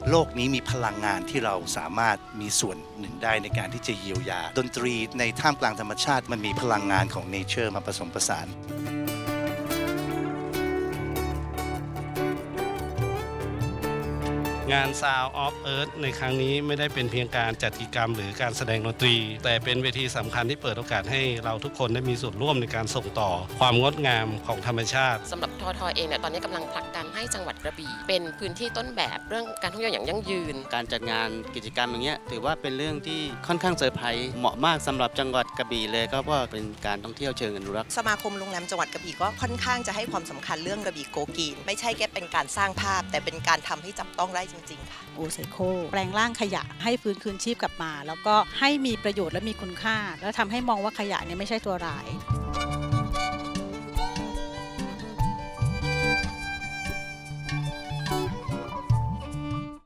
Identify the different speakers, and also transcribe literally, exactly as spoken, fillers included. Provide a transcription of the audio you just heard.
Speaker 1: โลกนี้มีพลังงานที่เราสามารถมีส่วนหนึ่งได้ในการที่จะเยียวยาดนตรีในท่ามกลางธรรมชาติมันมีพลังงานของเนเจอร์มาผสมผสาน
Speaker 2: งาน Sound of Earth ในครั้งนี้ไม่ได้เป็นเพียงการจัดกิจกรรมหรือการแสดงดนตรีแต่เป็นเวทีสำคัญที่เปิดโอกาสให้เราทุกคนได้มีส่วนร่วมในการส่งต่อความงดงามของธรรมชาติ
Speaker 3: สำหรับททเองเนี่ยตอนนี้กำลังผลักดันให้จังหวัดกระบี่เป็นพื้นที่ต้นแบบเรื่องการท่องเที่ยวอย่างยั่งยืน
Speaker 4: การจัดงานกิจกรรมอย่างเงี้ยถือว่าเป็นเรื่องที่ค่อนข้างเซอร์ไพรส์เหมาะมากสำหรับจังหวัดกระบี่เลยก็เพราะเป็นการท่องเที่ยวเชิงอนุรักษ์
Speaker 5: สมาคมโรงแรมจังหวัดกระบี่ก็ค่อนข้างจะให้ความสำคัญเรื่องกระบี่โกกีนไม่ใช่แค่เป็นการสร้างภาพแต่เป็นการทำให้จับต้องได้จริงๆค่ะ
Speaker 6: โอไซโคแปลงร่างขยะให้ฟื้นคืนชีพกลับมาแล้วก็ให้มีประโยชน์และมีคุณค่าแล้วทำให้มองว่าขยะเนี่ยไม่ใช่ตัวร้าย